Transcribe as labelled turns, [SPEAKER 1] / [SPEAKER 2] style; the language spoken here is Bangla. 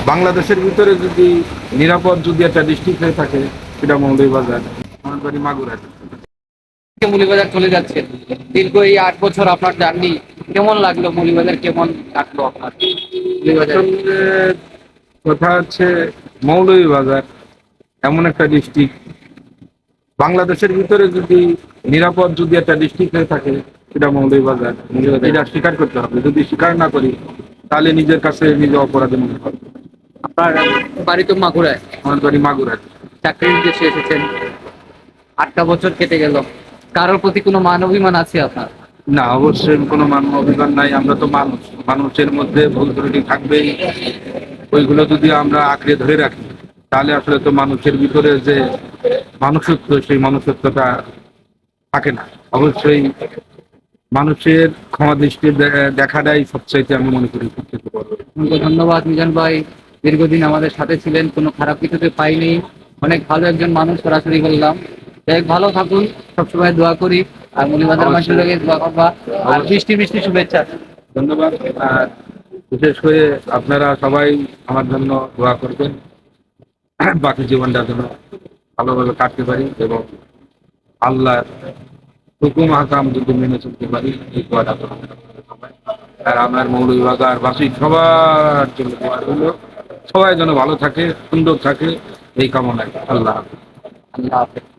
[SPEAKER 1] বাংলাদেশের ভিতরে যদি নিরাপদ যদি একটা ডিস্ট্রিক্ট হয়ে থাকে সেটা মৌলভীবাজার। আমার বাড়ি মাগুরা।
[SPEAKER 2] মৌলভীবাজার চলে যাচ্ছেন, দীর্ঘ এই 8 বছর আপনার জার্নি কেমন লাগলো? মৌলভীবাজার কেমন লাগলো আপনার? মৌলভীবাজার
[SPEAKER 1] আসলে কথা হচ্ছে মৌলভীবাজার এমন একটা ডিস্ট্রিক্ট, বাংলাদেশের ভিতরে যদি নিরাপদ যদি একটা ডিস্ট্রিক্ট হয়ে থাকে সেটা মৌলভীবাজার। এটা স্বীকার করতে হবে, যদি স্বীকার না করি তাহলে নিজের কাছে নিজে অপরাধী মনে হবে।
[SPEAKER 2] আপনার বাড়ি তো মাগুরায়,
[SPEAKER 1] আমার বাড়ি মাগুরা।
[SPEAKER 2] চাকরির উদ্দেশ্যে এসেছেন, 8টা বছর কেটে গেল, কারোর প্রতি কোনো মান অভিমান আছে আপনার?
[SPEAKER 1] না, অবশ্যই কোনো অভিমান নাই। আমরা তো মানুষ, মানুষের মধ্যে ভুল ত্রুটি থাকবেই। ওইগুলো যদি আমরা আঁকড়ে ধরে রাখি তাহলে আসলে তো মানুষের ভিতরে যে মানুষত্ব, সেই মানুষত্বটা থাকে না। অবশ্যই মানুষের ক্ষমা দৃষ্টি দেখাটাই সবচাইতে আমি মনে করি সবচেয়ে বড়।
[SPEAKER 2] অসংখ্য ধন্যবাদ মিজান ভাই, দীর্ঘদিন আমাদের সাথে ছিলেন, কোনো খারাপ কিছুতে পাইনি, অনেক ভালো একজন মানুষ সরাসরি বললাম। যাই হোক, ভালো থাকুন, সবসময় দোয়া করি, আর মৌলভীবাজার মানুষের
[SPEAKER 1] অবশ্যই।
[SPEAKER 2] লগে দোয়া করবা, আর বৃষ্টি বৃষ্টি শুভেচ্ছা।
[SPEAKER 1] ধন্যবাদ। আর বিশেষ করে আপনারা সবাই আমার জন্য দোয়া করবেন, বাকি জীবনটা যেন ভালোভাবে কাটতে পারি এবং আল্লাহ হুকুম হাকাম যদি মেনে চলতে পারি, এই দোয়াটা করবেন আপনারা সবাই। আর আমার মৌলভীবাজার বাসী সবার জন্য দোয়া রইল, সবাই যেন ভালো থাকে, সুন্দর থাকে, এই কামনায়। আল্লাহ হাফেজ।
[SPEAKER 2] আল্লাহ হাফেজ।